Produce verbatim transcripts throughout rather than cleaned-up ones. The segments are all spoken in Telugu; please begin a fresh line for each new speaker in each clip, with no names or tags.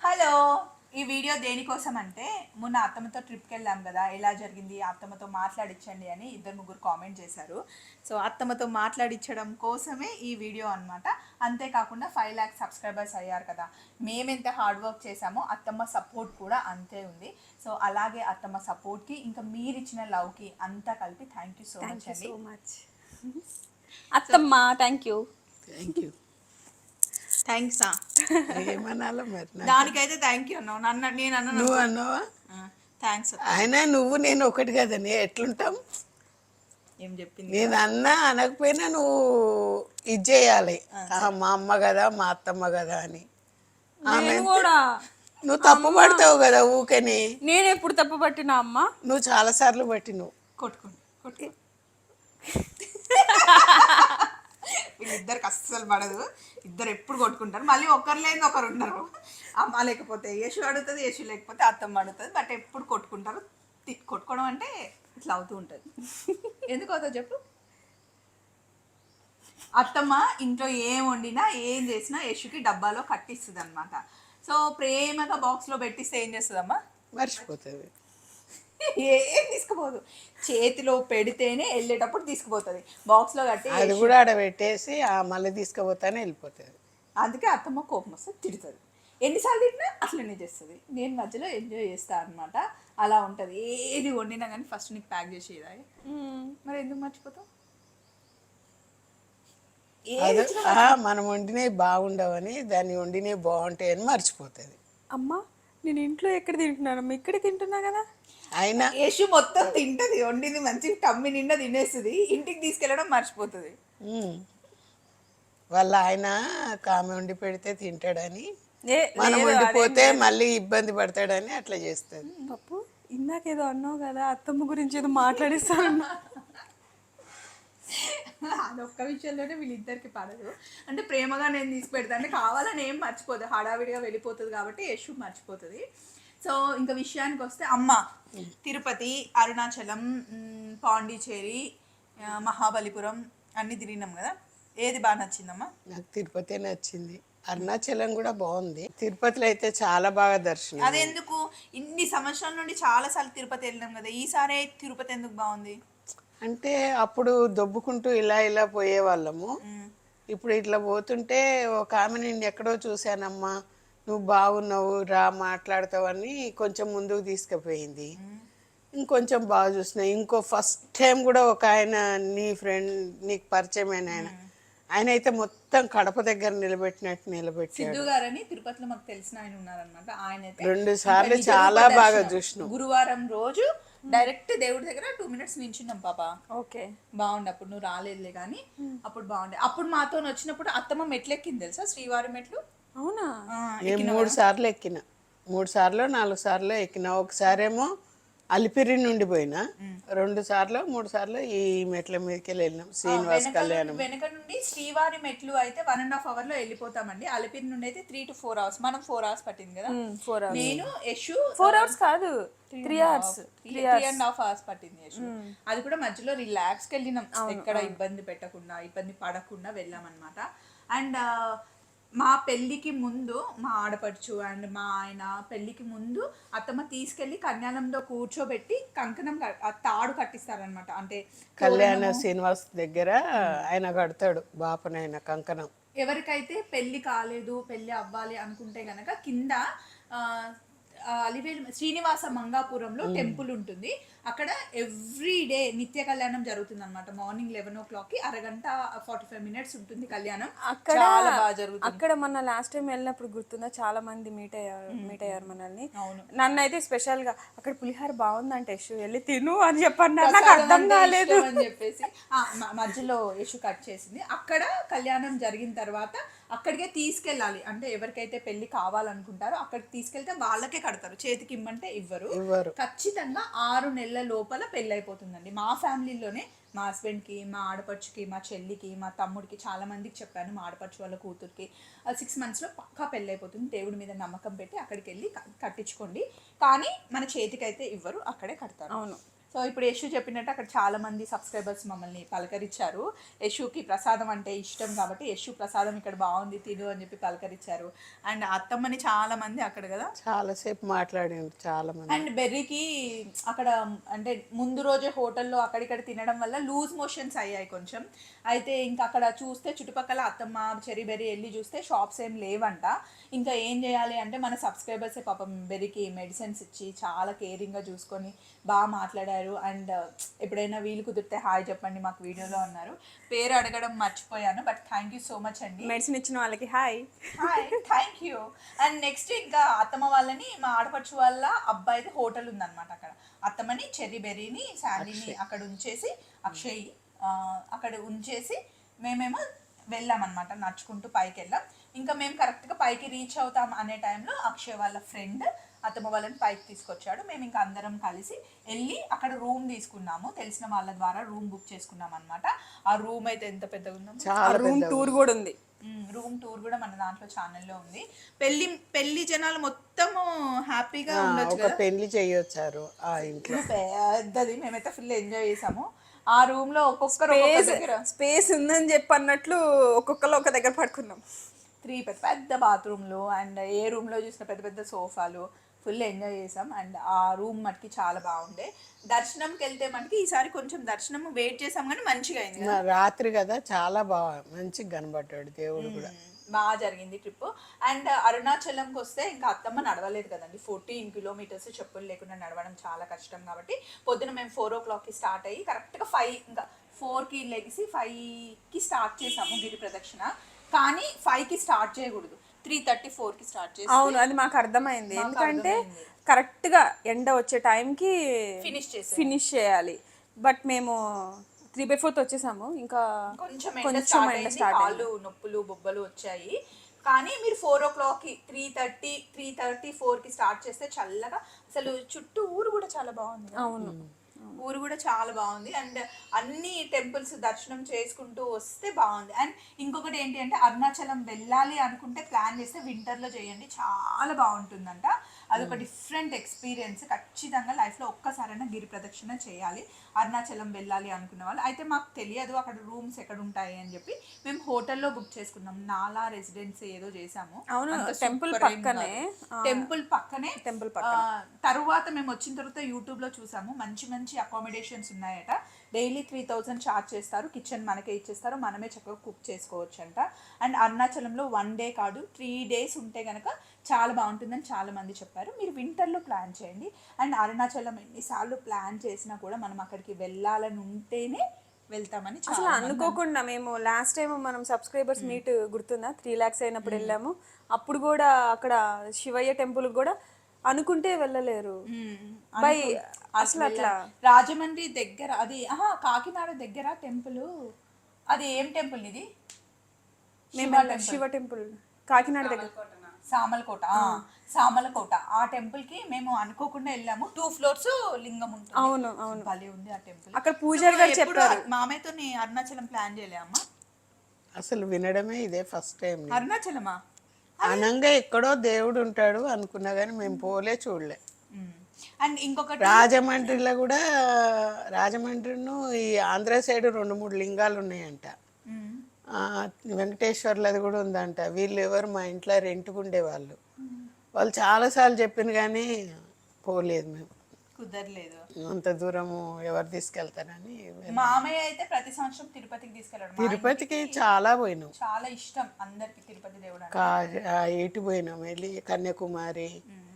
హలో, ఈ వీడియో దేనికోసం అంటే మొన్న అత్తమ్మతో ట్రిప్కి వెళ్ళాం కదా, ఎలా జరిగింది అత్తమ్మతో మాట్లాడించండి అని ఇద్దరు ముగ్గురు కామెంట్ చేశారు. సో అత్తమ్మతో మాట్లాడించడం కోసమే ఈ వీడియో అనమాట. అంతేకాకుండా ఫైవ్ ల్యాక్స్ సబ్స్క్రైబర్స్ అయ్యారు కదా, మేమెంత హార్డ్ వర్క్ చేశామో అత్తమ్మ సపోర్ట్ కూడా అంతే ఉంది. సో అలాగే అత్తమ్మ సపోర్ట్కి ఇంకా మీరు ఇచ్చిన లవ్కి అంతా కలిపి థ్యాంక్ యూ సో మచ్ అండి.
అత్తమ్మ thank you
thank you
thanks.
ఏమనాలో మరి
దానికైతే థ్యాంక్ యూ అన్నావు, నన్ను నేను అన్నాను.
నువ్వు అన్నావా?
థ్యాంక్స్.
అయినా నువ్వు నేను ఒకటి కదని ఎట్లుంటాం?
ఏం చెప్పింది?
నేను అన్నా అనకపోయినా నువ్వు ఇది చేయాలి. మా అమ్మ కదా మా అత్తమ్మ కదా అని. ఆమె
కూడా
నువ్వు తప్పు పడతావు కదా ఊకని.
నేను ఎప్పుడు తప్పు పట్టినా అమ్మ?
నువ్వు చాలా సార్లు పట్టి నువ్వు
కొట్టుకోండి కొట్టుకో. వీళ్ళిద్దరికి అస్సలు పడదు, ఇద్దరు ఎప్పుడు కొట్టుకుంటారు. మళ్ళీ ఒకరు లేని ఒకరు ఉన్నారు. అమ్మ లేకపోతే యేసు అడుగుతుంది, యేసు లేకపోతే అత్తమ్మ అడుగుతుంది. బట్ ఎప్పుడు కొట్టుకుంటారు. కొట్టుకోవడం అంటే ఇట్లా అవుతూ ఉంటుంది. ఎందుకు అవుతుందో చెప్పు. అత్తమ్మ ఇంట్లో ఏం వండినా ఏం చేసినా యశుకి డబ్బాలో కట్టిస్తుంది అనమాట. సో ప్రేమగా బాక్స్లో పెట్టిస్తే ఏం చేస్తుందమ్మా?
మర్చిపోతుంది.
ఏం తీసుకుపోదు, చేతిలో పెడితేనే వెళ్ళేటప్పుడు తీసుకుపోతుంది. బాక్స్లో కట్టి
అది కూడా ఆడ పెట్టేసి మళ్ళీ తీసుకుపోతానే వెళ్ళిపోతుంది.
అందుకే అత్తమ్మ కోపం వస్తే తిడుతుంది. ఎన్నిసార్లు తిట్టినా అట్లనే చేస్తుంది. నేను మధ్యలో ఎంజాయ్ చేస్తాను అనమాట. అలా ఉంటుంది. ఏది వండినా కానీ ఫస్ట్ నీకు ప్యాక్ చేసేదా? మరి ఎందుకు మర్చిపోతావు?
మనం వండినవి బాగుండవని దాన్ని వండినవి బాగుంటాయని మర్చిపోతుంది.
అమ్మ నేను ఇంట్లో ఎక్కడ తింటున్నాను, ఇక్కడ తింటున్నా కదా.
అయినా
యేసు మొత్తం తింటది, వండింది మంచి టమ్మి నిండా తినేస్తుంది. ఇంటికి తీసుకెళ్ళడం మర్చిపోతుంది.
వాళ్ళ ఆయన కామె వండి పెడితే తింటాడని, మనం వండిపోతే మళ్ళీ ఇబ్బంది పడతాడని అట్లా చేస్తుంది.
పప్పు ఇందాకేదో అన్నావు కదా, అత్తమ్మ గురించి ఏదో మాట్లాడిస్తాను.
అదొక్క విషయంలోనే వీళ్ళిద్దరికి పడదు. అంటే ప్రేమగా నేను తీసి పెడతా అంటే కావాలని ఏం మర్చిపోదు, హడావిడిగా వెళ్ళిపోతుంది కాబట్టి యశు మర్చిపోతుంది. సో ఇంకా విషయానికి వస్తే అమ్మ తిరుపతి, అరుణాచలం, పాండిచేరి, మహాబలిపురం అన్ని తిరిగినాం కదా, ఏది బాగా నచ్చిందమ్మా?
నాకు తిరుపతి నచ్చింది. అరుణాచలం కూడా బాగుంది. తిరుపతిలో అయితే చాలా బాగా దర్శనం.
అదెందుకు ఇన్ని సంవత్సరాల నుండి చాలా సార్లు తిరుపతి వెళ్ళినాం కదా, ఈసారి తిరుపతి ఎందుకు బాగుంది
అంటే అప్పుడు దొబ్బుకుంటూ ఇలా ఇలా పోయే వాళ్ళము. ఇప్పుడు ఇట్లా పోతుంటే ఒక ఆమె నేను ఎక్కడో చూశానమ్మా, నువ్వు బాగున్నావు రా మాట్లాడతావని కొంచెం ముందుకు తీసుకుపోయింది. ఇంకొంచెం బాగా చూసిన. ఇంకో ఫస్ట్ టైం కూడా ఒక ఆయన నీ ఫ్రెండ్ నీకు పరిచయమైన ఆయన ఆయన అయితే మొత్తం కడప దగ్గర నిలబెట్టినట్టు నిలబెట్టాడు.
సిద్ధు గారని తిరుపతిలో మాకు తెలిసిన ఆయన ఉన్నారనమాట. ఆయన
రెండు సార్లు చాలా బాగా చూసినాం.
గురువారం రోజు డైరెక్ట్ దేవుడి దగ్గర టూ మినిట్స్ నించున్నాం పాప.
ఓకే
బాగుండే. అప్పుడు నువ్వు రాలేదులే కానీ అప్పుడు బాగుండే. అప్పుడు మాతో వచ్చినప్పుడు అత్తమ్మ మెట్లు ఎక్కింది తెలుసా, శ్రీవారి మెట్లు.
అవునా?
మూడు సార్లు ఎక్కిన, మూడు సార్లు నాలుగు సార్లు ఎక్కిన. ఒకసారేమో అలిపిరి నుండి పోయినా, రెండు సార్లు మూడు సార్లు ఈ మెట్ల మీదకి వెళ్ళినాం. శ్రీనివాస్ కళ్యాణం
వెనక నుండి శ్రీవారి మెట్లు అయితే వన్ అండ్ హాఫ్ అవర్ లో వెళ్ళిపోతామండి. అలిపిరి నుండి అయితే త్రీ టు ఫోర్ అవర్స్ మనం ఫోర్ అవర్స్ పట్టింది కదా.
ఫోర్ అవర్స్
నేను యశు
ఫోర్ అవర్స్ కాదు three hours
three and half hours పట్టింది యశు. అది కూడా మధ్యలో రిలాక్స్కి వెళ్ళినాం, ఎక్కడ ఇబ్బంది పెట్టకుండా ఇబ్బంది పడకుండా వెళ్ళాం అనమాట. అండ్ మా పెళ్ళికి ముందు మా ఆడపడుచు అండ్ మా ఆయన పెళ్ళికి ముందు అత్తమ్మ తీసుకెళ్లి కళ్యాణంలో కూర్చోబెట్టి కంకణం తాడు కట్టిస్తారనమాట. అంటే
కళ్యాణ శ్రీనివాస్ దగ్గర ఆయన కడతాడు బాపనైన కంకణం.
ఎవరికైతే పెళ్లి కాలేదు పెళ్లి అవ్వాలి అనుకుంటే గనక కింద అలివేలు శ్రీనివాస మంగాపురంలో టెంపుల్ ఉంటుంది. అక్కడ ఎవ్రీ డే నిత్య కళ్యాణం జరుగుతుంది అనమాట. మార్నింగ్ లెవెన్ ఓ క్లాక్ కి అరగంట ఫార్టీ ఫైవ్ మినిట్స్ ఉంటుంది కళ్యాణం.
అక్కడ చాలా బాగా జరుగుతుంది. అక్కడ మన లాస్ట్ టైం వెళ్ళినప్పుడు గుర్తుందా, చాలా మంది మీట్ అయ్యారు మీట్ అయ్యారు మనల్ని. నన్ను అయితే స్పెషల్ గా అక్కడ పులిహార బాగుందంటే యశు వెళ్ళి తిను అని చెప్పన్నారు. నాకు అర్థం కాలేదు
అని చెప్పేసి మధ్యలో యశు కట్ చేసింది. అక్కడ కళ్యాణం జరిగిన తర్వాత అక్కడికే తీసుకెళ్ళాలి. అంటే ఎవరికైతే పెళ్లి కావాలనుకుంటారో అక్కడికి తీసుకెళ్తే వాళ్ళకే కడతారు, చేతికి ఇమ్మంటే ఇవ్వరు. ఖచ్చితంగా ఆరు నెలల లోపల పెళ్ళి అయిపోతుందండి. మా ఫ్యామిలీలోనే మా హస్బెండ్కి, మా ఆడపడుచుకి, మా చెల్లికి, మా తమ్ముడికి చాలా మందికి చెప్పాను. మా ఆడపడుచు వాళ్ళ కూతురికి సిక్స్ మంత్స్లో పక్కా పెళ్ళి అయిపోతుంది. దేవుడి మీద నమ్మకం పెట్టి అక్కడికి వెళ్ళి కట్టించుకోండి, కానీ మన చేతికి అయితే ఇవ్వరు, అక్కడే కడతారు.
అవును.
సో ఇప్పుడు యశు చెప్పినట్టు అక్కడ చాలా మంది సబ్స్క్రైబర్స్ మమ్మల్ని పలకరించారు. యశుకి ప్రసాదం అంటే ఇష్టం కాబట్టి యశు ప్రసాదం ఇక్కడ బాగుంది తిను అని చెప్పి పలకరించారు. అండ్ అత్తమ్మని చాలా మంది అక్కడ కదా
చాలాసేపు మాట్లాడిండు చాలా మంది.
అండ్ బెర్రీకి అక్కడ అంటే ముందు రోజే హోటల్లో అక్కడిక్కడ తినడం వల్ల లూజ్ మోషన్స్ అయ్యాయి కొంచెం. అయితే ఇంకా అక్కడ చూస్తే చుట్టుపక్కల అత్తమ్మ చెరీ బెర్రీ వెళ్ళి చూస్తే షాప్స్ ఏం లేవంట. ఇంకా ఏం చేయాలి అంటే మన సబ్స్క్రైబర్సే పాపం బెర్రీకి మెడిసిన్స్ ఇచ్చి చాలా కేరింగ్గా చూసుకొని బాగా మాట్లాడారు. అండ్ ఎప్పుడైనా వీలు కుదిరితే హాయ్ చెప్పండి మాకు వీడియోలో అన్నారు. పేరు అడగడం మర్చిపోయాను but thank you so much అండి.
మెడిసిన్ ఇచ్చిన వాళ్ళకి hi
hi thank you. And next ఇంకా అత్తమ్మ వాళ్ళని మా ఆడపడుచు వాళ్ళ అబ్బాయిది హోటల్ ఉందన్నమాట అక్కడ. అత్తమ్మని చెర్రీ బెర్రీని శాండీని అక్కడ ఉంచేసి అక్షయ్ అక్కడ ఉంచేసి మేమేమో వెళ్ళామన్నమాట నడుచుకుంటూ పైకి వెళ్ళాం. ఇంకా మేము కరెక్ట్గా పైకి రీచ్ అవుతాం అనే టైంలో అక్షయ్ వాళ్ళ ఫ్రెండ్ అత్తమ్మ వాళ్ళని పైకి తీసుకొచ్చాడు. మేము ఇంకా అందరం కలిసి వెళ్ళి అక్కడ రూమ్ తీసుకున్నాము. తెలిసిన వాళ్ళ ద్వారా రూమ్ బుక్ చేసుకున్నాం అనమాట. ఆ రూమ్ అయితే ఎంత పెద్దగా ఉందో.
రూమ్ టూర్ కూడా ఉంది.
రూమ్ టూర్ కూడా మన దాంట్లో ఛానల్లో ఉంది. పెళ్లి పెళ్లి జనాలు మొత్తము హ్యాపీగా ఉండొచ్చు కదా,
పెళ్లి చేయొచ్చారు ఆ ఇంట్లో.
పెద్దది మేమైతే ఫుల్ ఎంజాయ్ చేసాము. ఆ రూమ్ లో ఒక్కొక్కరు
స్పేస్ ఉందని చెప్పి అన్నట్లు ఒక్కొక్కరు ఒక దగ్గర పడుకున్నాం.
త్రీ పెద్ద పెద్ద బాత్రూమ్లు అండ్ ఏ రూమ్ లో చూసిన పెద్ద పెద్ద సోఫాలు ఫుల్ ఎంజాయ్ చేసాం. అండ్ ఆ రూమ్ మటుకి చాలా బాగుండే. దర్శనంకి వెళ్తే మనకి ఈసారి కొంచెం దర్శనం వెయిట్ చేసాం కానీ మంచిగా అయింది.
రాత్రి కదా చాలా బాగా మంచిగా కనబడ్డాడు దేవుడు కూడా.
బాగా జరిగింది ట్రిప్. అండ్ అరుణాచలంకి వస్తే ఇంకా అత్తమ్మ నడవలేదు కదండి. ఫోర్టీన్ కిలోమీటర్స్ చెప్పులు లేకుండా నడవడం చాలా కష్టం కాబట్టి పొద్దున మేము ఫోర్ ఓ క్లాక్కి స్టార్ట్ అయ్యి కరెక్ట్గా ఫైవ్ ఇంకా ఫోర్కి లెగిసి ఫైవ్కి స్టార్ట్ చేసాము గిరి ప్రదక్షిణ. కానీ ఫైవ్కి స్టార్ట్ చేయకూడదు, త్రీ థర్టీ ఫోర్కి స్టార్ట్ చేసి.
అవును అది మాకు అర్థమైంది. ఎందుకంటే కరెక్ట్గా ఎండ వచ్చే టైంకి
ఫినిష్ చేసి
ఫినిష్ చేయాలి. బట్ మేము త్రీ బై ఫోర్త్ వచ్చేసాము. ఇంకా
కొంచెం ఎండ స్టార్ట్ కాళ్ళు నొప్పులు బొబ్బలు వచ్చాయి. కానీ మీరు ఫోర్ ఓ క్లాక్కి త్రీ థర్టీ త్రీ థర్టీ ఫోర్కి స్టార్ట్ చేస్తే చల్లగా అసలు చుట్టూ ఊరు కూడా చాలా బాగుంది.
అవును
ఊరు కూడా చాలా బాగుంది. అండ్ అన్ని టెంపుల్స్ దర్శనం చేసుకుంటూ వస్తే బాగుంది. అండ్ ఇంకొకటి ఏంటి అంటే అరుణాచలం వెళ్ళాలి అనుకుంటే ప్లాన్ చేస్తే వింటర్లో చేయండి, చాలా బాగుంటుందంట. అదొక డిఫరెంట్ ఎక్స్పీరియన్స్. ఖచ్చితంగా లైఫ్లో ఒక్కసారైనా గిరి ప్రదక్షిణ చేయాలి అరుణాచలం వెళ్ళాలి అనుకున్న వాళ్ళు. అయితే మాకు తెలియదు అక్కడ రూమ్స్ ఎక్కడ ఉంటాయి అని చెప్పి మేము హోటల్లో బుక్ చేసుకున్నాం. నాలా రెసిడెన్సీ ఏదో చేసాము.
అవును టెంపుల్ పక్కనే
టెంపుల్ పక్కనే
టెంపుల్
తరువాత మేము వచ్చిన తర్వాత యూట్యూబ్లో చూసాము మంచి మంచి అకామిడేషన్స్ ఉన్నాయట. డైలీ త్రీ థౌజండ్ ఛార్జ్ చేస్తారు, కిచెన్ మనకే ఇచ్చేస్తారు, మనమే చక్కగా కుక్ చేసుకోవచ్చు అంట. అండ్ అరుణాచలంలో వన్ డే కాదు త్రీ డేస్ ఉంటే కనుక చాలా బాగుంటుందని చాలా మంది చెప్పారు. మీరు వింటర్లో ప్లాన్ చేయండి. అండ్ అరుణాచలం ఎన్నిసార్లు ప్లాన్ చేసినా కూడా మనం అక్కడికి వెళ్ళాలని ఉంటేనే వెళ్తామని
అసలు అనుకోకుండా మేము లాస్ట్ టైం మనం సబ్స్క్రైబర్స్ మీట్ గుర్తుందా, త్రీ ల్యాక్స్ అయినప్పుడు వెళ్ళాము. అప్పుడు కూడా అక్కడ శివయ్య టెంపుల్ కూడా అనుకుంటే వెళ్ళలేరు. బై అసలు అట్లా
రాజమండ్రి దగ్గర అది ఆహా కాకినాడ దగ్గర టెంపుల్ అది ఏం టెంపుల్ ఇది?
శివ టెంపుల్ కాకినాడ దగ్గర
సామలకోట. సామలకోట ఆ టెంపుల్ కి మేము అనుకోకుండా వెళ్ళాము. టూ ఫ్లోర్స్ లింగం ఉంటుంది.
అవును అవును
భలే ఉంది ఆ టెంపుల్.
అక్కడ పూజారి గారు చెప్పారు.
మామయ్యతో అరుణాచలం ప్లాన్ చేయలే అమ్మా,
అసలు వినడమే ఇదే ఫస్ట్ టైం.
అరుణాచలమా
అనంగా ఎక్కడో దేవుడు ఉంటాడు అనుకున్నా కానీ మేము పోలే చూడలే.
అండ్ ఇంకొకటి
రాజమండ్రిలో కూడా రాజమండ్రిను ఈ ఆంధ్ర సైడ్ రెండు మూడు లింగాలు ఉన్నాయంట. వెంకటేశ్వర్లది కూడా ఉందంట. వీళ్ళు ఎవరు మా ఇంట్లో రెంట్కు ఉండేవాళ్ళు. వాళ్ళు చాలాసార్లు చెప్పింది కానీ పోలేదు, మేము
కుదరలేదు.
అంత దూరము ఎవరు తీసుకెళ్తారని.
మామయ్య అయితే ప్రతి సంవత్సరం తిరుపతికి తీసుకెళ్ళాడు.
తిరుపతికి చాలా పోయినాం,
చాలా ఇష్టం అందరికి తిరుపతి దేవుడు.
కా ఎటు పోయినాం వెళ్ళి కన్యాకుమారి,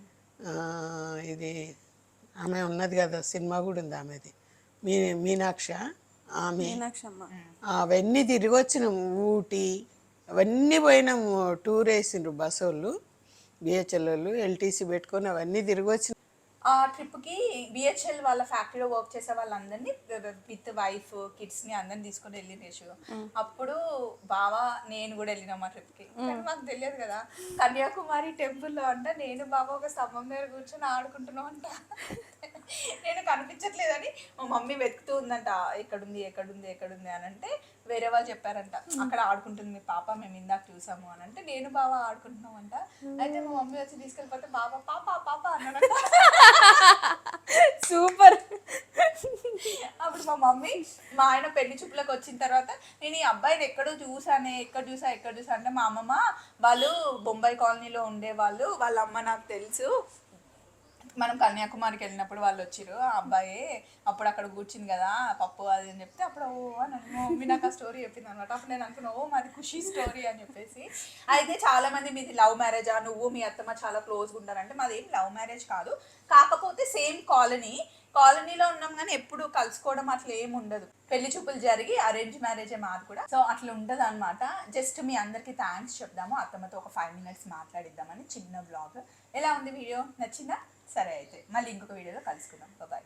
ఇది ఆమె ఉన్నది కదా సినిమా కూడా ఉంది ఆమెది మీ మీనాక్ష ఆమె, అవన్నీ తిరిగి వచ్చినాం. ఊటీ అవన్నీ పోయినాము. టూర్ వేసిండ్రు బస్సు వాళ్ళు, బిహెచ్ఎల్ వాళ్ళు ఎల్టీసీ పెట్టుకొని అవన్నీ తిరిగి వచ్చినాం.
ఆ ట్రిప్కి బిహెచ్ఎల్ వాళ్ళ ఫ్యాక్టరీలో వర్క్ చేసే వాళ్ళందరినీ విత్ వైఫ్ కిడ్స్ని అందరిని తీసుకొని వెళ్ళినేసు. అప్పుడు బావా నేను కూడా వెళ్ళినాం ఆ ట్రిప్కి. కానీ మాకు తెలియదు కదా కన్యాకుమారి టెంపుల్లో అంట నేను బాబా ఒక స్తంభం మీద కూర్చొని ఆడుకుంటున్నాం అంట. నేను కనిపించట్లేదని మా మమ్మీ వెతుకుతూ ఉందంట, ఎక్కడుంది ఎక్కడుంది ఎక్కడుంది అని అంటే వేరే వాళ్ళు చెప్పారంట అక్కడ ఆడుకుంటుంది మీ పాప, మేము ఇందాక చూసాము అని అంటే నేను బాబా ఆడుకుంటున్నాం అంట. అయితే మా మమ్మీ వచ్చి తీసుకెళ్ళిపోతే బాబా పాప పాప అన్నాడంట.
సూపర్
అప్పుడు మా మమ్మీ మా ఆయన పెళ్లి చూపులకు వచ్చిన తర్వాత నేను ఈ అబ్బాయిని ఎక్కడో చూసానే ఎక్కడ చూసా ఎక్కడ చూసా అంటే మా అమ్మమ్మ వాళ్ళు బొంబాయి కాలనీలో ఉండేవాళ్ళు, వాళ్ళ అమ్మ నాకు తెలుసు, మనం కన్యాకుమారికి వెళ్ళినప్పుడు వాళ్ళు వచ్చిరు, ఆ అబ్బాయి అప్పుడు అక్కడ కూర్చుంది కదా పప్పు అది అని చెప్తే అప్పుడు ఓ అని మా మమ్మీ నాకు ఆ స్టోరీ చెప్పింది అనమాట. అప్పుడు నేను అనుకున్నా ఓ మాది ఖుషి స్టోరీ అని చెప్పేసి. అయితే చాలా మంది మీది లవ్ మ్యారేజా, నువ్వు మీ అత్తమ్మ చాలా క్లోజ్గా ఉంటారంటే మాది ఏం లవ్ మ్యారేజ్ కాదు, కాకపోతే సేమ్ కాలనీ కాలనీలో ఉన్నాం కానీ ఎప్పుడు కలుసుకోవడం అట్లా ఏమి ఉండదు. పెళ్లి చూపులు జరిగి అరేంజ్ మ్యారేజే మాది కూడా. సో అట్లా ఉండదు అనమాట. జస్ట్ మీ అందరికీ థ్యాంక్స్ చెప్దాము, అత్తమ్మతో ఒక ఫైవ్ మినిట్స్ మాట్లాడిద్దామని చిన్న బ్లాగ్. ఎలా ఉంది వీడియో, నచ్చిందా? సరే అయితే మళ్ళీ ఇంకొక వీడియోలో కలుసుకుందాం. బాయ్.